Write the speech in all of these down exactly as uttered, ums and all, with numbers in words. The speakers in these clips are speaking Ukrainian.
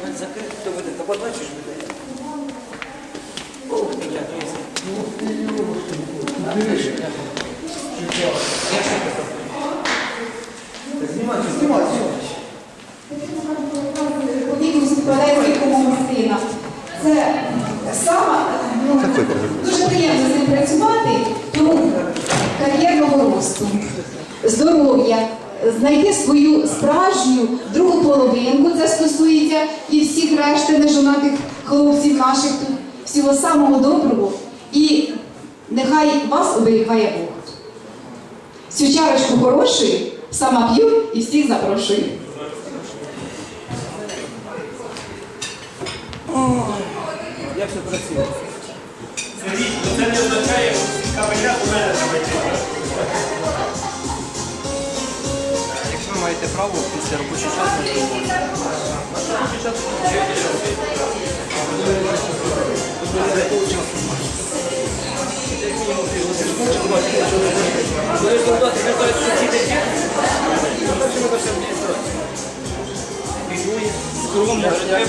Закрити, то буде, то бачиш, буде. Ох, ти сина. Це саме ну, дуже приємно з ним працювати, тому кар'єрного росту, здоров'я, знайти свою справжню другу половинку, це стосується і всіх решти нежонатих хлопців наших тут, всього самого доброго. І нехай вас оберігає Бог. Цю чарочку хорошої сама п'ю і всіх запрошую. Як все красиво. Сергій, це не означає, що кавеля у мене давайте. Якщо ви маєте право, після робочого часу не робити. Робочий час скромно,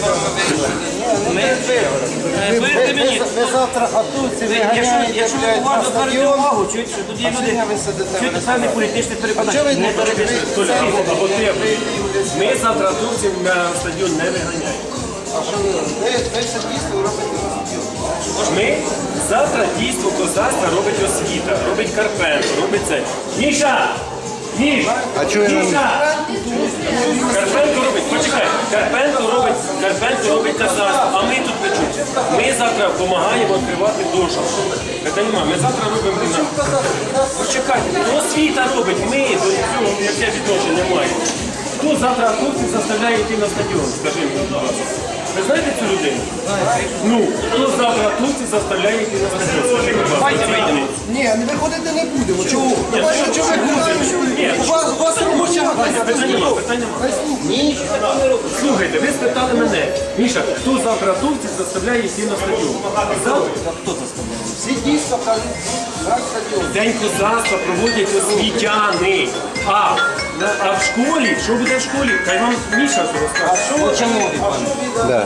не вирте мені. Ви завтра готуйте, ви ганяєте, Якщо ви блядь, на уважно звернете стадіон. увагу, чують, що тут є люди, чують певне політичне переконання. Не перебіжте. Толя, або ти, ми завтра хлопців на стадіон не виганяємо. А що ви? Ви ви все дійсно робите на стадіон. Ми завтра дійство козацтва робить освіта, робить Карпенко, робить це. Міша! Міш! А чого я нам- Міша! Карпенко робить, почекай, Карпенко робить, Карпенко робить козацтво, а ми тут печуть. Ми завтра допомагаємо відкривати душу. Це немає, ми завтра робимо. Почекайте, то освіта робить, ми до цього яке відношення маємо. Хто завтра хлопців заставляє йти на стадіон? Скажи мені, будь ласка. Ви знаєте цю людину? Ну, хто завтра хлопців заставляє йти на стадіон? Скажи, будь ласка. Давайте вийдемо. Ні, не виходити не будемо. Чого? Ну, бачите, чого ви ходите? У вас, у вас робоча Питання нема, питання нема. Слухайте, ви спитали мене, Міша, хто завтра хлопців заставляє йти на стадіон? Завтра? Хто заставляє? Всі дійсно кажуть, на стадіон. День козацтва проводять освітяни. А, а в школі, що буде в школі? Хай вам Міша розкаже. Що ви Да.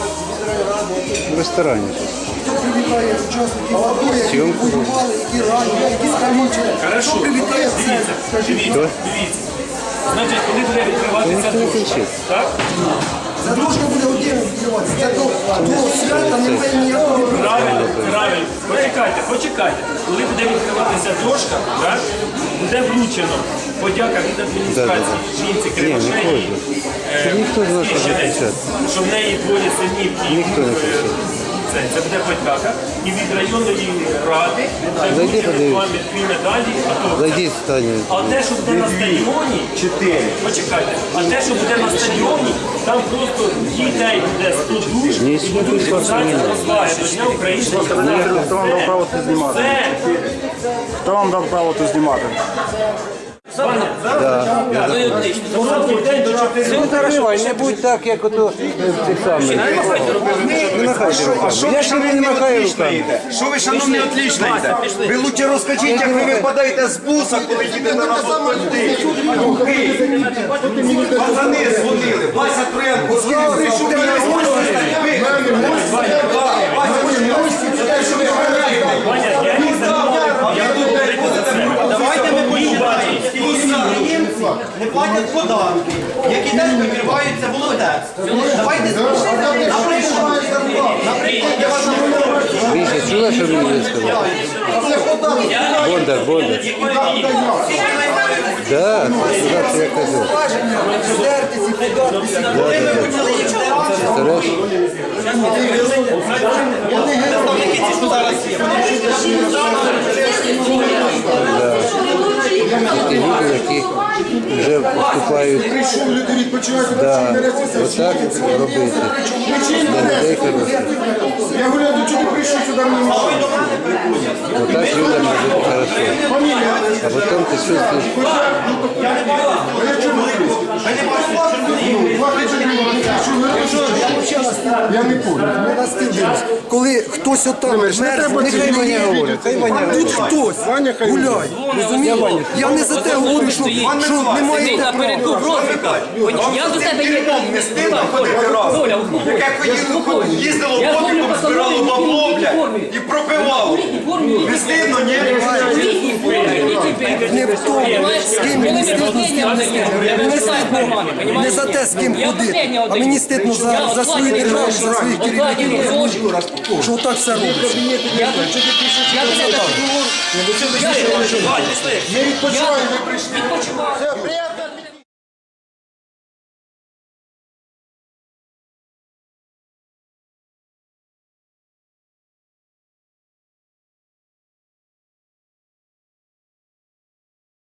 В ресторані. Хто привітає учасників АТО, які Зйомку. воювали, які ранені, які скалічені? Хорошо, Хто привітає це? дивіться, Скажіть. дивіться, дивіться. Значить, коли буде відкриватися Ніхто не дошка, кричить. так? Це дружка буде отдельно відкриватися. Це до, до свята немає ніякого. Правильно, правильно. Почекайте, почекайте. Коли буде відкриватися дошка, так, буде вручено подяка від адміністрації жінці Кривошеї. Щоб ніхто з нас не кричав. Що в неї двоє синів і Ніхто не кричав. це, це буде подяка. І від районної ради це Зайди, вручено подивись. вам дві медалі. А то- Зайдіть, Таня. А те, що буде на стадіоні, чотири. Почекайте, а те, що буде на стадіоні, там просто дітей буде сто душ, Ні, і будуть розваги до Дня українського Хто вам дав право це знімати? Це Хто вам дав право це знімати? Ну і отлично. короткий день до чотири. Не будь так, як ото в цих самих. Не махайте руками. Не махайте руками. Я ще не махаю руками. Що ви, шановні, отлично йдете? Ви лучше розкажіть, як ви випадаєте з буса, коли їдете на автомобілі. Пацани дзвонили. Вася Троянко дзвонив, прийшов до мене. Ваня, я не знаю, я тут говорити за себе. Давайте ми поїдемо. Підприємці не платять податки, які теж вибиваються волонтерством. Давайте наприклад, наприклад, я вас наприклад. Міша, чула, що мені сказав? Бондар, Бондар. Так, сказав, що я казав. Стареш? Ті люди, які вже вступають. Да, отак робити. Для людей хороших. Я говорю, до чого ти прийшов сюди мені мішати? Отак людям буде хорошо. А потім ти чувствуєш. Я чому? Я не понял. Не на стіл дивлюсь. Коли хтось отам мерзне, нехай мені говорить. Тут хтось гуляє. Розумієте? Я не за те говорю, що, що немає права. Я до тебе є. Не стидно ходити разом. Яке ходило, їздило потиком, збирало бабло, блядь, і пропивало. Не стидно, ні? Не в тому, з ким мені стидно, з ким не стидно. Мені стидно не за те, з ким ходити, а мені стидно за, за свою державу, за своїх керівників. Що так все робиться. Я Не відпочивай, не прийшли. відпочиваю.